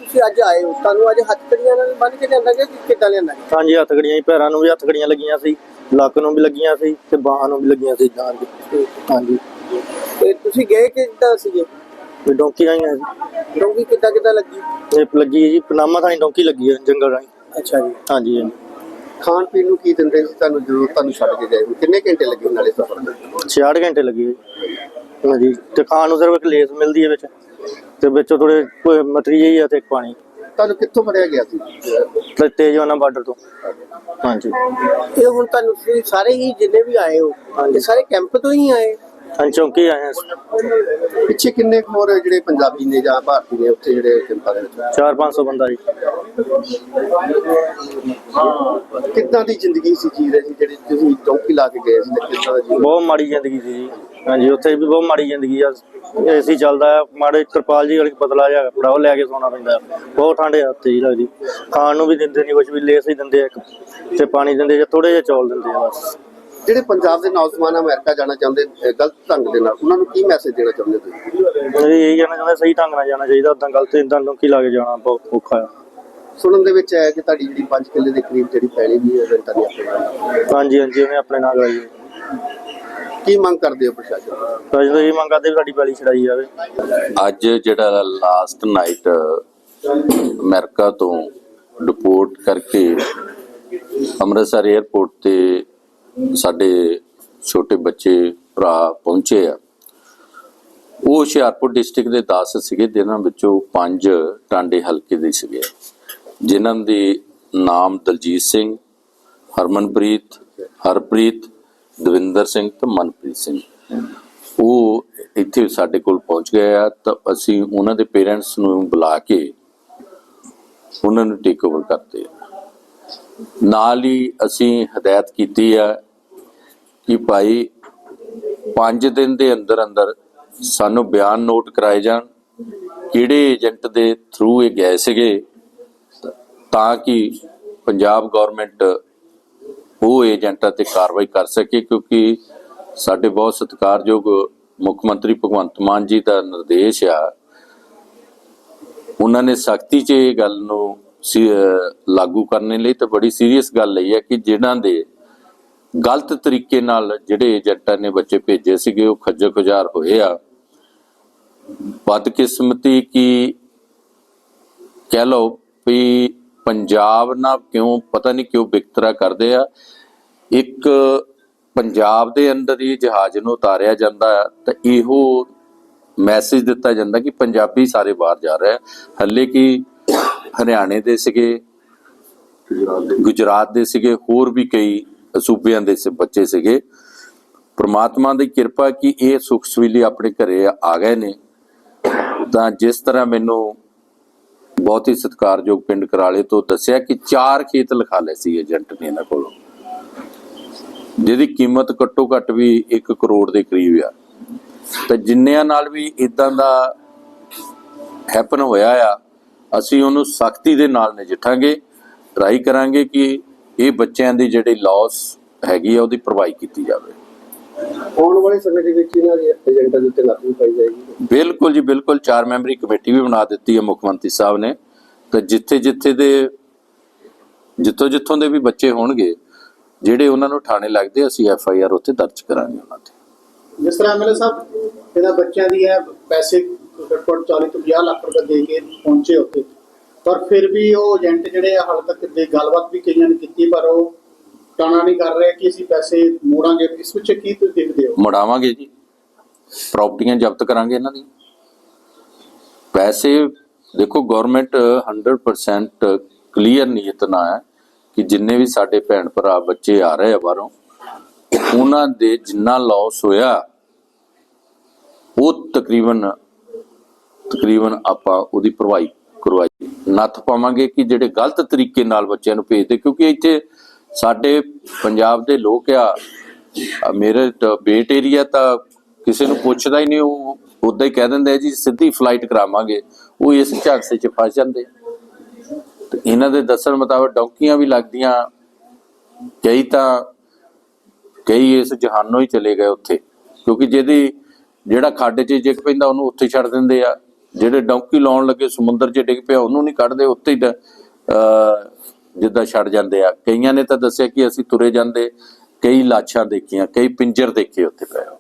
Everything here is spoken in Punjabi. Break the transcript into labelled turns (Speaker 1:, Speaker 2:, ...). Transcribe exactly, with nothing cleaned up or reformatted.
Speaker 1: ਤੁਸੀਂ ਅੱਜ ਆਏ ਹੋ, ਤੁਹਾਨੂੰ ਅੱਜ ਹੱਥਕੜੀਆਂ ਨਾਲ ਬੰਨ ਕੇ ਲਿਆਂਦਾ ਗਿਆ ਕਿ ਕਿੱਦਾਂ ਲਿਆਂਦਾ ਗਿਆ?
Speaker 2: ਹਾਂਜੀ, ਹੱਥਕੜੀਆਂ ਹੀ, ਪੈਰਾਂ ਨੂੰ ਵੀ ਹੱਥਕੜੀਆਂ ਲੱਗੀਆਂ ਸੀ, ਲੱਕ ਨੂੰ ਵੀ ਲੱਗੀਆਂ ਸੀ ਤੇ ਬਾਹਾਂ ਨੂੰ ਵੀ ਲੱਗੀਆਂ ਸੀ ਨਾਲ ਦੀ। ਹਾਂਜੀ।
Speaker 1: ਤੇ ਤੁਸੀਂ ਗਏ ਕਿੱਦਾਂ ਸੀਗੇ?
Speaker 2: ਤੇ ਡੌਂਕੀ ਰਾਹੀਂ ਆਏ ਸੀ।
Speaker 1: ਡੋਂਗੀ ਕਿੱਦਾਂ ਕਿੱਦਾਂ ਲੱਗੀ?
Speaker 2: ਇਹ ਲੱਗੀ ਹੈ ਜੀ ਪਨਾਮਾ ਥਾਂ ਡੌਂਕੀ ਲੱਗੀ ਹੈ, ਜੰਗਲ ਰਾਹੀਂ।
Speaker 1: ਅੱਛਾ ਜੀ।
Speaker 2: ਹਾਂਜੀ ਹਾਂਜੀ।
Speaker 1: ਖਾਣ ਪੀਣ ਨੂੰ ਕੀ ਦਿੰਦੇ ਸੀ ਤੁਹਾਨੂੰ ਜਦੋਂ ਤੁਹਾਨੂੰ ਛੱਡ ਕੇ ਗਏ? ਕਿੰਨੇ ਘੰਟੇ ਲੱਗੇ ਨਾਲੇ ਸਫ਼ਰ ਦੇ?
Speaker 2: ਛਿਆਹਠ ਘੰਟੇ ਲੱਗੇ ਜੀ। ਹਾਂਜੀ, ਤੇ ਖਾਣ ਨੂੰ ਸਿਰਫ ਇੱਕ ਲੇਸ ਮਿਲਦੀ ਹੈ ਵਿੱਚ, ਤੇ ਵਿੱਚ ਥੋੜੇ ਮਟਰੀ ਜਿਹੀ ਆ ਤੇ ਇੱਕ ਪਾਣੀ।
Speaker 1: ਤੁਹਾਨੂੰ ਕਿੱਥੋਂ ਫੜਿਆ ਗਿਆ ਸੀ?
Speaker 2: ਤੇ ਤੇਜਵਾਨਾ ਬਾਰਡਰ ਤੋਂ। ਹਾਂਜੀ।
Speaker 1: ਇਹ ਹੁਣ ਤੁਹਾਨੂੰ ਤੁਸੀਂ ਸਾਰੇ ਹੀ ਜਿੰਨੇ ਵੀ ਆਏ ਹੋ ਇਹ ਸਾਰੇ ਕੈਂਪ ਤੋਂ ਹੀ ਆਏ?
Speaker 2: ਹਾਂਜੀ, ਚੌਂਕੀ ਆਏ ਹਾਂ।
Speaker 1: ਪਿੱਛੇ ਕਿੰਨੇ ਕੁ ਹੋਰ ਜਿਹੜੇ ਪੰਜਾਬੀ ਨੇ ਜਾਂ ਭਾਰਤੀ ਨੇ ਉੱਥੇ ਜਿਹੜੇ ਕੈਂਪਾਂ ਦੇ ਵਿੱਚ?
Speaker 2: ਚਾਰ ਪੰਜ ਸੌ ਬੰਦਾ ਜੀ।
Speaker 1: ਕਿੱਦਾਂ ਦੀ ਜ਼ਿੰਦਗੀ ਸੀ ਜੀ ਰਹੀ ਜਿਹੜੀ ਤੁਸੀਂ ਚੌਂਕੀ ਲਾ ਕੇ ਗਏ ਸੀ? ਕਿੱਦਾਂ ਦਾ ਜੀਵਨ?
Speaker 2: ਬਹੁਤ ਮਾੜੀ ਜ਼ਿੰਦਗੀ ਸੀ ਜੀ। ਹਾਂਜੀ, ਉੱਥੇ ਵੀ ਬਹੁਤ ਮਾੜੀ ਜ਼ਿੰਦਗੀ ਆ। ਏਸੀ ਚੱਲਦਾ ਆ, ਮਾੜੇ ਤਰਪਾਲ ਜੀ ਵਾਲੀ ਪਤਲਾ ਜਿਹਾ ਕੱਪੜਾ ਉਹ ਲੈ ਕੇ ਸੌਣਾ ਪੈਂਦਾ। ਬਹੁਤ ਠੰਡ ਆ ਉੱਥੇ ਜੀ ਲੱਗਦੀ। ਖਾਣ ਨੂੰ ਵੀ ਦਿੰਦੇ ਨਹੀਂ ਕੁਛ ਵੀ, ਲੇਸ ਹੀ ਦਿੰਦੇ ਆ ਇੱਕ, ਤੇ ਪਾਣੀ ਦਿੰਦੇ ਜਾਂ ਥੋੜੇ ਜਿਹੇ ਚੌਲ ਦਿੰਦੇ ਆ ਬਸ।
Speaker 1: ਜਿਹੜੇ ਪੰਜਾਬ ਦੇ ਨੌਜਵਾਨ ਅਮਰੀਕਾ ਜਾਣਾ ਚਾਹੁੰਦੇ ਗਲਤ ਢੰਗ ਦੇ ਨਾਲ, ਉਹਨਾਂ ਨੂੰ ਕੀ ਮੈਸੇਜ ਦੇਣਾ ਚਾਹੁੰਦੇ ਤੁਸੀਂ?
Speaker 2: ਮੇਰੀ ਇਹੀ ਕਹਿਣਾ ਚਾਹੁੰਦਾ, ਸਹੀ ਢੰਗ ਨਾਲ ਜਾਣਾ ਚਾਹੀਦਾ, ਉਦਾਂ ਗਲਤ ਇੱਦਾਂ ਡੌਂਕੀ ਲਾ ਕੇ ਜਾਣਾ ਬਹੁਤ ਔਖਾ ਆ।
Speaker 1: ਸੁਣਨ ਦੇ ਵਿੱਚ ਆਇਆ ਕਿ ਤੁਹਾਡੀ ਜਿਹੜੀ ਪੰਜ ਕਿੱਲੇ ਦੇ ਕਰੀਬ ਜਿਹੜੀ ਪੈਲੀ ਵੀ ਹੈ ਰੈਂਟਾਂ ਦੀ ਆਪਣੇ ਨਾਲ?
Speaker 2: ਹਾਂਜੀ ਹਾਂਜੀ, ਉਹਨੇ ਆਪਣੇ ਨਾਲ ਕਰਾਈ।
Speaker 1: ਕੀ ਮੰਗ ਕਰਦੇ ਹੋ ਪ੍ਰਸ਼ਾਸਨ ਤੋਂ?
Speaker 2: ਅਸੀਂ ਤਾਂ ਇਹ ਮੰਗ ਕਰਦੇ ਵੀ ਸਾਡੀ ਪੈਲੀ ਛਡਾਈ ਜਾਵੇ।
Speaker 3: ਅੱਜ ਜਿਹੜਾ ਲਾਸਟ ਨਾਈਟ ਅਮਰੀਕਾ ਤੋਂ ਡਿਪੋਰਟ ਕਰਕੇ ਅੰਮ੍ਰਿਤਸਰ ਏਅਰਪੋਰਟ ਤੇ ਸਾਡੇ ਛੋਟੇ ਬੱਚੇ ਭਰਾ ਪਹੁੰਚੇ ਆ, ਉਹ ਹੁਸ਼ਿਆਰਪੁਰ ਡਿਸਟ੍ਰਿਕਟ ਦੇ ਦਸ ਸੀਗੇ, ਜਿਨ੍ਹਾਂ ਵਿੱਚੋਂ ਪੰਜ ਟਾਂਡੇ ਹਲਕੇ ਦੇ ਸੀਗੇ, ਜਿਨ੍ਹਾਂ ਦੇ ਨਾਮ ਦਲਜੀਤ ਸਿੰਘ, ਹਰਮਨਪ੍ਰੀਤ, ਹਰਪ੍ਰੀਤ, ਦਵਿੰਦਰ ਸਿੰਘ ਤੇ ਮਨਪ੍ਰੀਤ ਸਿੰਘ। ਉਹ ਇੱਥੇ ਸਾਡੇ ਕੋਲ ਪਹੁੰਚ ਗਏ ਆ, ਤਾਂ ਅਸੀਂ ਉਹਨਾਂ ਦੇ ਪੇਰੈਂਟਸ ਨੂੰ ਬੁਲਾ ਕੇ ਉਹਨਾਂ ਨੂੰ ਟੇਕ ਓਵਰ ਕਰਦੇ ਆ। ਨਾਲ ਹੀ ਅਸੀਂ ਹਦਾਇਤ ਕੀਤੀ ਆ ਕਿ ਭਾਈ ਪੰਜ ਦਿਨ ਦੇ ਅੰਦਰ ਅੰਦਰ ਸਾਨੂੰ ਬਿਆਨ ਨੋਟ ਕਰਾਏ ਜਾਣ, ਕਿਹੜੇ ਏਜੰਟ ਦੇ ਥਰੂ ਇਹ ਗਏ ਸੀਗੇ, ਤਾਂ ਕਿ ਪੰਜਾਬ ਗੌਰਮੈਂਟ ਉਹ ਏਜੰਟਾਂ ਤੇ ਕਾਰਵਾਈ ਕਰ ਸਕੇ। ਕਿਉਂਕਿ ਸਾਡੇ ਬਹੁਤ ਸਤਿਕਾਰਯੋਗ ਮੁੱਖ ਮੰਤਰੀ ਭਗਵੰਤ ਮਾਨ ਜੀ ਦਾ ਨਿਰਦੇਸ਼ ਆ, ਉਹਨਾਂ ਨੇ ਸਖਤੀ 'ਚ ਇਹ ਗੱਲ ਨੂੰ ਲਾਗੂ ਕਰਨ ਲਈ ਤਾਂ ਬੜੀ ਸੀਰੀਅਸ ਗੱਲ ਲਈ ਹੈ ਕਿ ਜਿਨ੍ਹਾਂ ਦੇ ਗਲਤ ਤਰੀਕੇ ਨਾਲ ਜਿਹੜੇ ਏਜੰਟਾਂ ਨੇ ਬੱਚੇ ਭੇਜੇ ਸੀਗੇ ਉਹ ਖੱਜਲ ਖੁਜਾਰ ਹੋਏ ਆ। ਬਦਕਿਸਮਤੀ ਕੀ ਕਹਿ ਲਓ ਵੀ ਪੰਜਾਬ ਨਾਲ ਕਿਉਂ ਪਤਾ ਨਹੀਂ ਕਿਉਂ ਵਿਤਕਰਾ ਕਰਦੇ ਆ। ਇੱਕ ਪੰਜਾਬ ਦੇ ਅੰਦਰ ਹੀ ਜਹਾਜ਼ ਨੂੰ ਉਤਾਰਿਆ ਜਾਂਦਾ ਤਾਂ ਇਹੋ ਮੈਸੇਜ ਦਿੱਤਾ ਜਾਂਦਾ ਕਿ ਪੰਜਾਬੀ ਸਾਰੇ ਬਾਹਰ ਜਾ ਰਹੇ ਆ। ਹੱਲੇ ਕਿ ਹਰਿਆਣੇ ਦੇ ਸੀਗੇ, ਗੁਜਰਾਤ ਦੇ ਸੀਗੇ, ਹੋਰ ਵੀ ਕਈ ਸੂਬਿਆਂ ਦੇ ਬੱਚੇ ਸੀਗੇ। ਪ੍ਰਮਾਤਮਾ ਦੀ ਕਿਰਪਾ ਕਿ ਇਹ ਸੁਖ ਸਵੀਲੀ ਆਪਣੇ ਘਰੇ ਆ ਗਏ ਨੇ। ਤਾਂ ਜਿਸ ਤਰ੍ਹਾਂ ਮੈਨੂੰ ਬਹੁਤ ਹੀ ਸਤਿਕਾਰਯੋਗ ਪਿੰਡ ਕਰਾਲੇ ਤੋਂ ਦੱਸਿਆ ਕਿ ਚਾਰ ਖੇਤ ਲਿਖਾ ਲਏ ਸੀ ਏਜੰਟ ਨੇ ਇਹਨਾਂ ਕੋਲੋਂ, ਜਿਹਦੀ ਕੀਮਤ ਘੱਟੋ ਘੱਟ ਵੀ ਇੱਕ ਕਰੋੜ ਦੇ ਕਰੀਬ ਆ। ਤੇ ਜਿੰਨਿਆਂ ਨਾਲ ਵੀ ਇਦਾਂ ਦਾ ਹੈਪਨ ਹੋਇਆ ਆ, ਅਸੀਂ ਉਹਨੂੰ ਸਖਤੀ ਦੇ ਨਾਲ ਨਜਿੱਠਾਂਗੇ, ਟਰਾਈ ਕਰਾਂਗੇ ਕਿ ਇਹ ਬੱਚਿਆਂ ਦੀ ਜਿਹੜੀ ਲਾਸ ਹੈਗੀ ਆ ਉਹਦੀ ਭਰਵਾਈ ਕੀਤੀ ਜਾਵੇ।
Speaker 1: ਆਉਣ ਵਾਲੇ ਸਮੇਂ ਦੇ ਵਿੱਚ ਇਹਨਾਂ ਦੇ ਏਜੰਟਾਂ ਦੇ ਉੱਤੇ ਨੱਥ ਪਾਈ ਜਾਏਗੀ?
Speaker 3: ਬਿਲਕੁਲ ਜੀ ਬਿਲਕੁਲ, ਚਾਰ ਮੈਂਬਰੀ ਕਮੇਟੀ ਵੀ ਬਣਾ ਦਿੱਤੀ ਹੈ ਮੁੱਖ ਮੰਤਰੀ ਸਾਹਿਬ ਨੇ। ਤੇ ਜਿੱਥੇ ਜਿੱਥੇ ਦੇ ਜਿੱਥੋਂ ਜਿੱਥੋਂ ਦੇ ਵੀ ਬੱਚੇ ਹੋਣਗੇ ਜਿਹੜੇ ਉਹਨਾਂ ਨੂੰ ਠਾਣੇ ਲੱਗਦੇ, ਅਸੀਂ ਐਫ ਆਈ ਆਰ ਉੱਥੇ ਦਰਜ ਕਰਾਂਗੇ ਉਹਨਾਂ ਤੇ।
Speaker 1: ਜਿਸ ਤਰ੍ਹਾਂ ਐਮਐਲਏ ਸਾਹਿਬ ਇਹਨਾਂ ਬੱਚਿਆਂ ਦੀ ਹੈ ਪੈਸੇ ਘੱਟੋ ਚਾਲੀ ਤੋਂ ਪੰਜਾਹ ਲੱਖ ਰੁਪਏ ਦੇ ਕੇ ਪਹੁੰਚੇ ਉੱਥੇ, ਪਰ ਫਿਰ ਵੀ ਉਹ ਏਜੰਟ ਜਿਹੜੇ ਆ ਹਾਲੇ ਤੱਕ ਦੇ ਗੱਲਬਾਤ ਵੀ ਕਈਆਂ ਨੇ ਕੀਤੀ, ਪਰ ਉਹ ਟਾਣਾ ਨਹੀਂ ਕਰ ਰਹੇ ਕਿ ਅਸੀਂ ਪੈਸੇ ਮੋੜਾਂਗੇ। ਇਸ ਵਿੱਚ ਕੀ ਤੁਸੀਂ ਦੇਖਦੇ ਹੋ?
Speaker 3: ਮੁੜਾਵਾਂਗੇ ਜੀ, ਪ੍ਰਾਪਰਟੀਆਂ ਜ਼ਬਤ ਕਰਾਂਗੇ ਇਹਨਾਂ ਦੀ। ਪੈਸੇ ਦੇਖੋ, ਗਵਰਨਮੈਂਟ ਹੰਡਰਡ ਪਰਸੈਂਟ ਕਲੀਅਰ ਨੀਅਤ ਨਾਲ ਹੈ ਕਿ ਜਿੰਨੇ ਵੀ ਸਾਡੇ ਭੈਣ ਭਰਾ ਬੱਚੇ ਆ ਰਹੇ ਆ ਬਾਹਰੋਂ, ਉਹਨਾਂ ਦੇ ਜਿੰਨਾ ਲਾਸ ਹੋਇਆ ਉਹ ਤਕਰੀਬਨ ਤਕਰੀਬਨ ਆਪਾਂ ਉਹਦੀ ਭਰਵਾਈ ਕਰਵਾਈ ਨੱਥ ਪਾਵਾਂਗੇ ਕਿ ਜਿਹੜੇ ਗਲਤ ਤਰੀਕੇ ਨਾਲ ਬੱਚਿਆਂ ਨੂੰ ਭੇਜਦੇ। ਕਿਉਂਕਿ ਇੱਥੇ ਸਾਡੇ ਪੰਜਾਬ ਦੇ ਲੋਕ ਆ, ਮੇਰੇ ਬੇਟ ਏਰੀਆ ਤਾਂ ਕਿਸੇ ਨੂੰ ਪੁੱਛਦਾ ਹੀ ਨਹੀਂ, ਉਹ ਉੱਦਾਂ ਹੀ ਕਹਿ ਦਿੰਦੇ ਜੀ ਸਿੱਧੀ ਫਲਾਈਟ ਕਰਾਵਾਂਗੇ। ਉਹ ਇਸ ਝਾਂਸੇ 'ਚ ਫਸ ਜਾਂਦੇ। ਤੇ ਇਹਨਾਂ ਦੇ ਦੱਸਣ ਮੁਤਾਬਕ ਡੌਂਕੀਆਂ ਵੀ ਲੱਗਦੀਆਂ, ਕਈ ਤਾਂ ਕਈ ਇਸ ਜਹਾਨੋਂ ਹੀ ਚਲੇ ਗਏ ਉੱਥੇ, ਕਿਉਂਕਿ ਜਿਹਦੀ ਜਿਹੜਾ ਖੱਡ 'ਚ ਜਿੱਕ ਪੈਂਦਾ ਉਹਨੂੰ ਉੱਥੇ ਛੱਡ ਦਿੰਦੇ ਆ, ਜਿਹੜੇ ਡੌਂਕੀ ਲਾਉਣ ਲੱਗੇ ਸਮੁੰਦਰ 'ਚ ਡਿੱਗ ਪਿਆ ਉਹਨੂੰ ਨਹੀਂ ਕੱਢਦੇ, ਉੱਤੇ ਹੀ ਅਹ ਜਿੱਦਾਂ ਛੱਡ ਜਾਂਦੇ ਆ। ਕਈਆਂ ਨੇ ਤਾਂ ਦੱਸਿਆ ਕਿ ਅਸੀਂ ਤੁਰੇ ਜਾਂਦੇ ਕਈ ਲਾਸ਼ਾਂ ਦੇਖੀਆਂ, ਕਈ ਪਿੰਜਰ ਦੇਖੇ ਉੱਥੇ ਪਏ।